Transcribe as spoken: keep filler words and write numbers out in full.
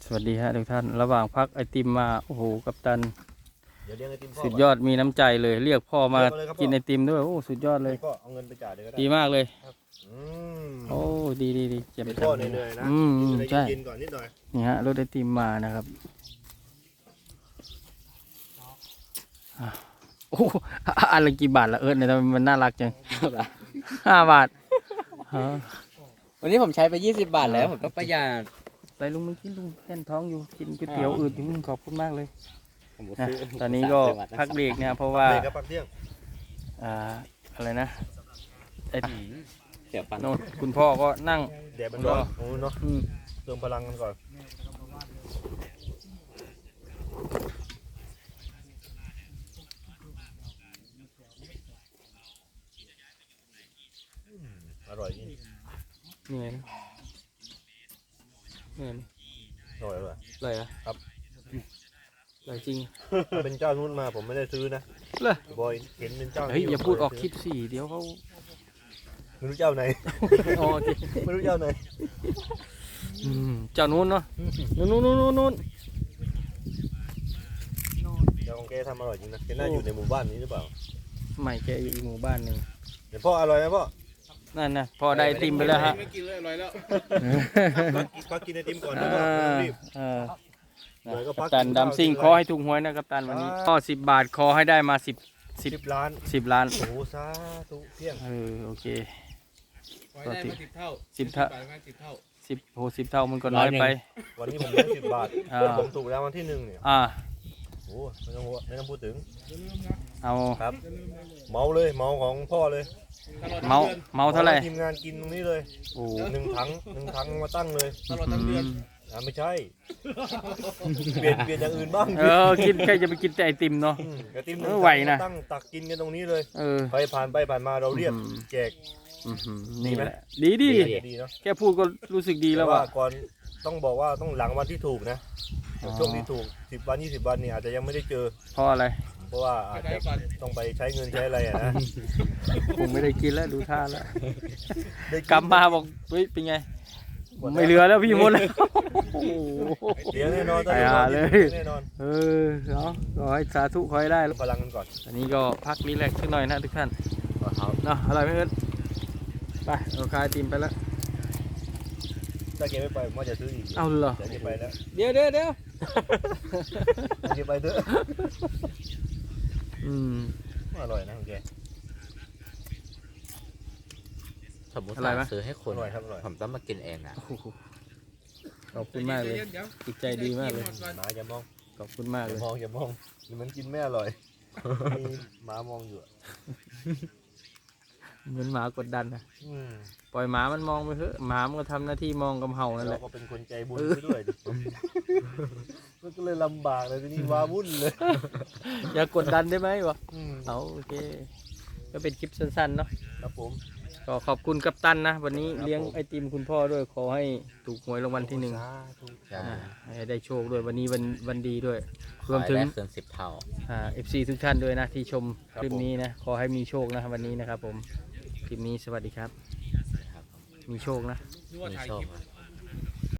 วัสดีฮะทุกท่านระหว่างพักไอติมมาโอ้โหกัปตันเดี๋ยวเลี้ยงไอติมพ่อสุดยอดมีน้ำใจเลยเรียกพ่อมากินไอติมด้วยโอ้สุดยอดเลยก็เอาเงินไปจ่ายเลยก็ได้ดีมากเลยอืมโอ้ดีดีดีเจ็บเป็นพ่อเหนื่อยๆนะอืมกินอะไรใช่กินก่อนนิดหน่อยนี่ฮะรถไอติมมานะครับอ่ะโอ้อันละกี่บาทละเอิร์ธเนี่ยทำไมมันน่ารักจังห้าบาทฮะวันนี้ผมใช้ไปยี่สิบบาทแล้วผมก็ประหยัดไปลุงมึงกินลุงแน่นท้องอยู่กินก๋วยเตี๋ยวอืดอยู่มึงขอบคุณมากเลยผมนะซื้ตอนนี้ก็พักเบรกเนี่ยเพราะว่าเด็กกับปักเที่ยงอ่าอะไรนะไออืมเดี๋ยวปันโน่นคุณพ่อก็นั่งแดดมันร้อนโอ้เนาะอืมเติมพลังกันก่อนอืมอร่อยจริงเหนื่อยนะเหนื่อยไหมอร่อยอร่อยเลยเหรอ่ะครับเลยจริงถ้าเป็นเจ้านู้นมาผมไม่ได้ซื้อนะเลยบอยเห็นเป็นเจ้าเฮ้ยอย่าพูดออกคลิปสิเดี๋ยวเขาไม่รู้เจ้าไหนอ๋อโอเคไม่รู้เจ้าไหนอืมเจ้านู้นเนาะนู้นนู้นนู้นนู้นนู้นเจ้าของแกทำอร่อยจริงนะแกน่าอยู่ในหมู่บ้านนี้หรือเปล่าไม่แกอยู่อีกหมู่บ้านหนึ่งเดี๋ยวพ่ออร่อยไหมพ่อนั่นนะพอได้ไอติมไปแล้วฮะไม่กินเลยอร่อยแล้วพักพักกินไอติมก่อนนะเอพ่อไม่ต้อองรีบเออเดี๋ยวก็พักักปตันกินข้าวดำซิ่งกินอะไรขอให้ถูกหวยนะกัปตันวันนี้ก็สิบบาทขอให้ได้มาสิบสิบสิบล้านสิบล้านโอ้โหสาธุเที่ยงเออโอเคขอให้ได้มาสิบเท่าสิบเท่าบาทมาสิบเท่าสิบโหสิบเท่ามันก็น้อยไปวันนี้ผมได้สิบบาทอ่าผมถูกแล้ววันที่หนึ่งเนี่ยอ่าโอ้โหไม่ต้องหัวไม่ต้องพูดถึงเอาครับ เมาเลยเมาของพ่อเลยตลอดทั้เมางเดือนเมาเท่าไหร่ทีมงานกินตรงนี้เลยโอ้หนึ่งถังหนึ่งถังมาตั้งเลยตลอดทั้งเดือนอ่าไม่ใช่เปลี่ยนเปลี่ยนอย่างอื่นบ้างเออกินใครจะไปกินแต่ไอติมเนาะมกระติมเออไหวนะตั้งตักกินกันตรงนี้เลยเออไปผ่านไปผ่านมาเราเรียกอืมแจกอื้อหือดีนี่ไหมแหละดีดีดีเนาะแค่พูดก็รู้สึกดีแล้วต่ว่ะก่อนต้องบอกว่าต้องหลังวันที่ถูกนะอ๋อช่วงที่ถูกสิบวันยี่สิบวันนี่อาจจะยังไม่ได้เจอเพราะอะไรเพราะว่าอาจจะต้องไปใช้เงินใช้อะไรอะนะคงไม่ได้กินแล้วดูท่าแล้วได้นกลับมาบอกเฮ้ยเป็นไง ไม่เหลือแล้วพี่หมดเลยโอ้โหเลี้ยงแน่นอนไอ้ห่าเลยแน่นอนเออเนาะขอให้สาธุขอให้ได้พลังกันก่อนอันนี้ก็พักรีแลกซ์สักหน่อยนะทุกท่านเอาเนาะอร่อยไหมเอิร์ธไปเราคายติมไปแล้วถ้าแกไม่ไปผมว่าจะซื้ออีกเอาเหรอเดี๋ยวแกไปแล้วเดี๋ยวเดี๋ยวเดี๋ยวเดี๋ยวแกไปเถอะอืมอร่อยนะของแกสมมติอะไรวะซื้อให้คนอร่อยครับอร่อยผมต้องมากินเองอ่ะโอ้โหขอบคุณมากเลยเดี๋ยวจิตใจดีมากเลยหมาอย่ามองขอบคุณมากอเลย่าย มองอย่ามองเหมือนกินไม่อร่อยมีหมามองอยู่อะเหมือนหมากดดันนะอืมปล่อยหมามันมองไปเถอะหมามันก็ทำหน้าที่มองกับเห่านั่นแหเราละก็เป็นคนใจบุญซะด้วยดิมันก็เลยลำบากเลยทีนี้ว้าวุ่นเลยอย่ากดดันได้ไหมวะอืมเอาโอเค ก็เป็นคลิปสั้นๆเนาะครับผมก็ขอบคุณกัปตันนะ วันนี้ครับเลี้ยงผมไอติมคุณพ่อด้วยขอให้ถูกหวยรางวัลที่หนึ่งสาธุใช่อ่าให้ได้โชคด้วยวันนี้วันวันดีด้วยขรวมอให้ถึงได้เกินสิบเท่าอ่าเอฟซีทุกท่านด้วยนะที่ชมคลิปนี้นะ ขอให้มีโชคนะวันนี้นะครับผม คลิปนี้สวัสดีครับครับผมมีโชคนะนึกว่ามีถ่ายโชคคลิปครับ